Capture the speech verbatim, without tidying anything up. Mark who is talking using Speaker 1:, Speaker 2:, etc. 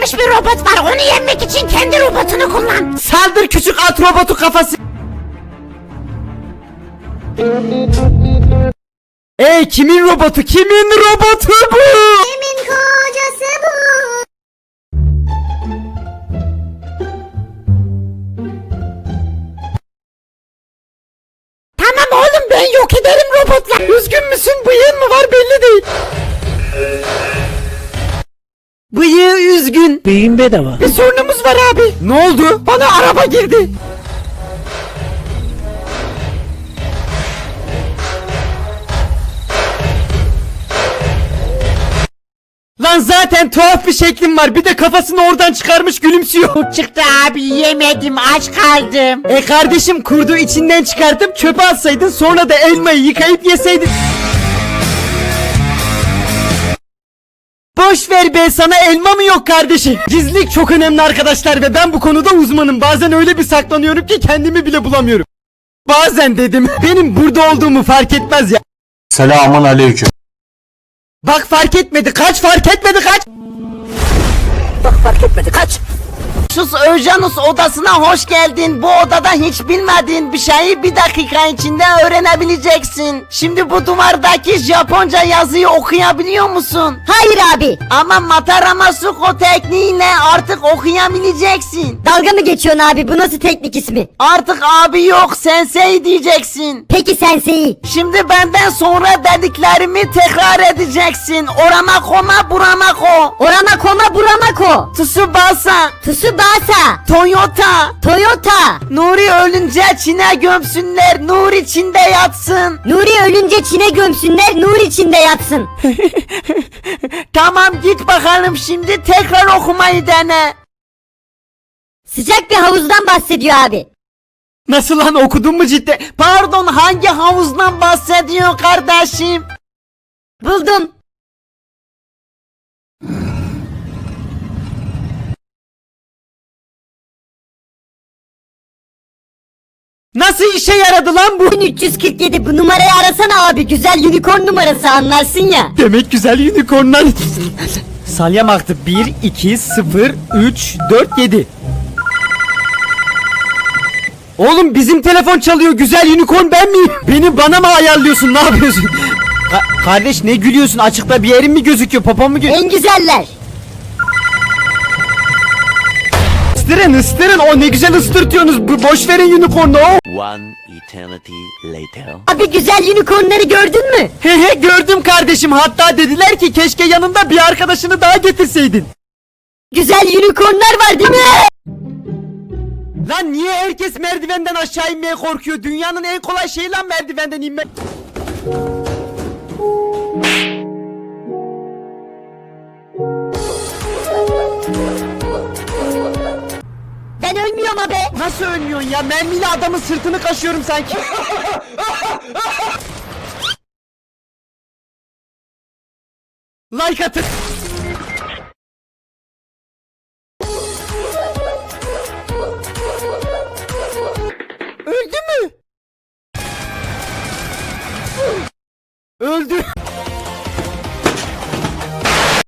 Speaker 1: geliştirilmiş bir robot var. Onu yenmek için kendi robotunu kullan.
Speaker 2: Saldır küçük at robotu kafası. Ey kimin robotu? Kimin robotu bu?
Speaker 1: Kimin kocası bu? Tamam oğlum, ben yok ederim robotlar.
Speaker 2: Üzgün müsün? Bıyığın mı var belli değil. Bıyığı üzgün.
Speaker 3: Beyin bedava.
Speaker 2: Bir sorunumuz var abi. Ne oldu? Bana araba girdi. Lan zaten tuhaf bir şeklim var. Bir de kafasını oradan çıkarmış gülümsüyor.
Speaker 1: Çıktı abi, yemedim, aç kaldım.
Speaker 2: E kardeşim, kurdu içinden çıkartıp çöpe atsaydın, sonra da elmayı yıkayıp yeseydin. Boş ver be, sana elma mı yok kardeşim? Gizlilik çok önemli arkadaşlar ve ben bu konuda uzmanım. Bazen öyle bir saklanıyorum ki kendimi bile bulamıyorum. Bazen dedim, benim burada olduğumu fark etmez ya.
Speaker 3: Selamun aleyküm.
Speaker 2: Bak fark etmedi, kaç, fark etmedi, kaç.
Speaker 1: Bak fark etmedi, kaç. Sus Öjanus odasına hoş geldin. Bu odada hiç bilmediğin bir şeyi bir dakika içinde öğrenebileceksin. Şimdi bu duvardaki Japonca yazıyı okuyabiliyor musun? Hayır abi. Ama Mataramasuko tekniğiyle artık okuyabileceksin.
Speaker 4: Dalga mı geçiyorsun abi? Bu nasıl teknik ismi?
Speaker 1: Artık abi yok, sensei diyeceksin.
Speaker 4: Peki sensei.
Speaker 1: Şimdi benden sonra dediklerimi tekrar edeceksin. Oramako ma buramako.
Speaker 4: Oramako ma buramako.
Speaker 1: Tsubasa.
Speaker 4: Tsubasa.
Speaker 1: Toyota.
Speaker 4: Toyota.
Speaker 1: Nuri ölünce Çin'e gömsünler, nur içinde yatsın.
Speaker 4: Nuri ölünce Çin'e gömsünler, nur içinde yatsın.
Speaker 1: Tamam, git bakalım, şimdi tekrar okumayı dene.
Speaker 4: Sıcak bir havuzdan bahsediyor abi.
Speaker 2: Nasıl lan, okudun mu cidden?
Speaker 1: Pardon, hangi havuzdan bahsediyor kardeşim?
Speaker 4: Buldum.
Speaker 2: Nasıl işe yaradı lan bu?
Speaker 4: bin üç yüz kırk yedi, bu numarayı arasana abi. Güzel unicorn numarası, anlarsın ya.
Speaker 2: Demek güzel unicornlar. Salyam aktı. bir, iki, sıfır, üç, dört, yedi. Oğlum bizim telefon çalıyor. Güzel unicorn ben miyim? Beni bana mı ayarlıyorsun? Ne yapıyorsun? Ka- kardeş ne gülüyorsun? Açıkta bir yerin mi gözüküyor? Popom mu gözüküyor?
Speaker 4: En güzeller.
Speaker 2: Isırın ısırın. O ne güzel ıstırtıyorsunuz. Bu boş verin unicornu. O.
Speaker 5: One eternity later.
Speaker 4: Abi güzel unicornları gördün mü?
Speaker 2: He he, gördüm kardeşim. Hatta dediler ki keşke yanında bir arkadaşını daha getirseydin.
Speaker 4: Güzel unicornlar var değil mi?
Speaker 2: Lan niye herkes merdivenden aşağı inmeye korkuyor? Dünyanın en kolay şeyi lan merdivenden inmek.
Speaker 4: Ben ölmüyorum abi.
Speaker 2: Nasıl ölmüyorsun ya? Mermiyle adamın sırtını kaşıyorum sanki. Like atın. Öldü mü? Öldü.